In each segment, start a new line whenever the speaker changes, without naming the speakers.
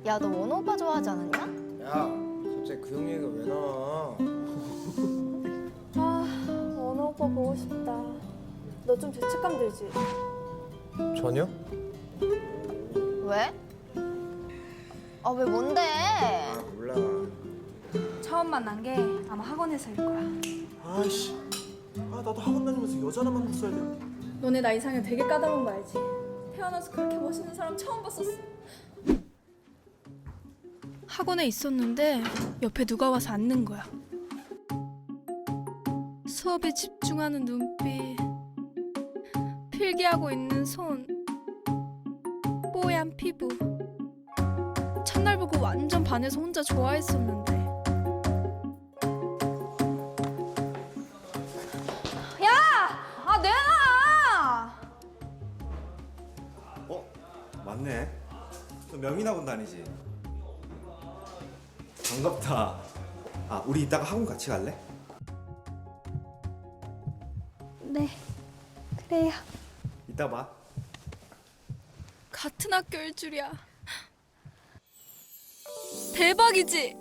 야, 너 원호 오빠 좋아하지 않았냐?
야, 갑자기 그 형 얘기가 왜 나와?
아, 원호 오빠 보고 싶다. 너 좀 죄책감 들지?
전혀?
왜? 아, 왜 뭔데?
아, 몰라.
처음 만난 게 아마 학원에서일 거야.
아이씨, 나도 학원 다니면서 여자나 만났어야 되는데.
너네 나 이상형 되게 까다로운 거 알지? 태어나서 그렇게 멋있는 사람 처음 봤었어.
학원에 있었는데 옆에 누가 와서 앉는 거야. 수업에 집중하는 눈빛, 필기하고 있는 손, 뽀얀 피부. 첫날 보고 완전 반해서 혼자 좋아했었는데.
아, 내놔!
맞네. 너 명인학원 다니지? 반갑다. 우리 이따가 학원 같이 갈래?
네, 그래요.
이따 봐.
같은 학교일 줄이야. 대박이지?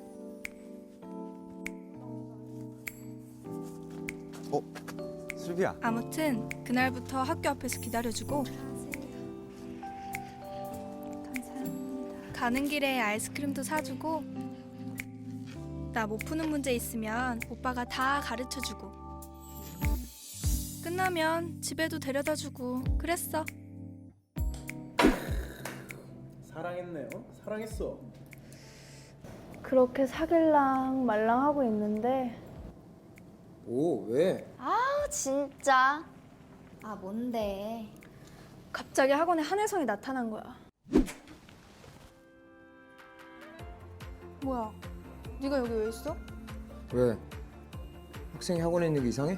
슬비야.
아무튼 그날부터 학교 앞에서 기다려주고
감사합니다.
가는 길에 아이스크림도 사주고 나 못 푸는 문제 있으면 오빠가 다 가르쳐주고 끝나면 집에도 데려다주고 그랬어.
사랑했네. 사랑했어.
그렇게 사귈랑 말랑 하고 있는데
오, 왜?
아, 진짜. 아, 뭔데?
갑자기 학원에 한혜성이 나타난 거야. 뭐야? 네가 여기 왜 있어?
왜? 학생이 학원에 있는 게 이상해?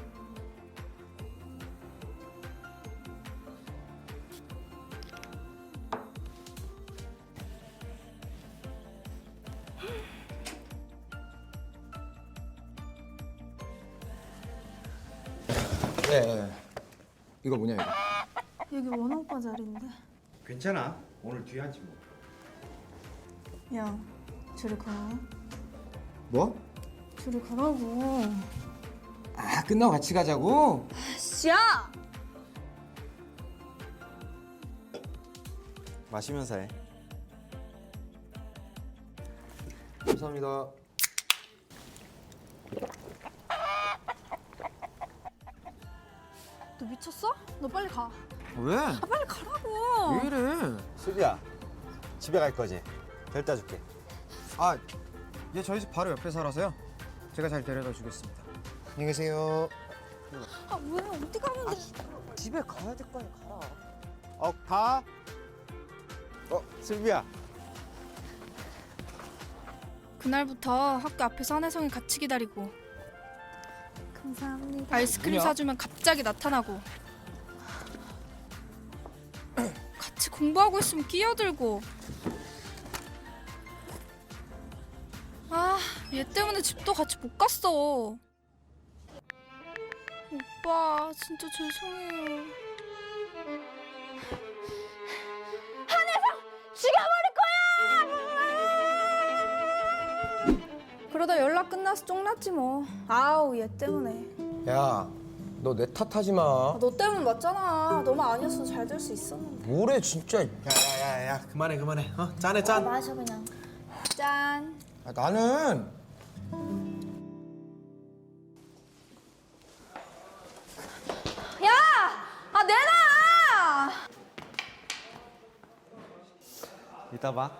네. 이거 뭐냐 이거?
여기 원호 오빠 자리인데.
괜찮아. 오늘 뒤에 앉지 뭐.
야, 저리 가.
뭐?
저리 가라고.
아, 끝나고 같이 가자고?
야!
마시면서 해.
감사합니다.
너 미쳤어? 너 빨리 가.
왜?
빨리 가라고.
왜 이래?
슬비야, 집에 갈 거지? 데려다 줄게.
아, 얘 저희 집 바로 옆에 살아서요. 제가 잘 데려다 주겠습니다. 안녕히 계세요.
아, 왜? 어디 가면 돼?
집에 가야 될 거 아니야, 가라.
가. 슬비야.
그날부터 학교 앞에서 한혜성이 같이 기다리고
감사합니다.
아이스크림
뭐냐?
사주면 갑자기 나타나고 같이 공부하고 있으면 끼어들고 아, 얘 때문에 집도 같이 못 갔어. 오빠, 진짜 죄송해요.
그러다 연락 끝나서 쫑났지 뭐. 아우, 얘 때문에.
야, 너 내 탓하지 마.
아, 너 때문 맞잖아. 너만 아니었어도 잘 될 수 있었는데.
뭐래 진짜.
야야야야, 그만해. 짠해 짠.
마셔, 그냥.
짠.
아, 나는
야! 아, 내놔!
이따 봐.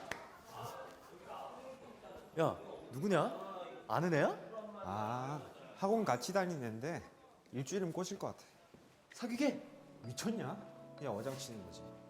야, 누구냐? 아는 애야?
학원 같이 다니는데 일주일이면 꼬실 것 같아.
사귀게? 미쳤냐?
그냥 어장 치는 거지.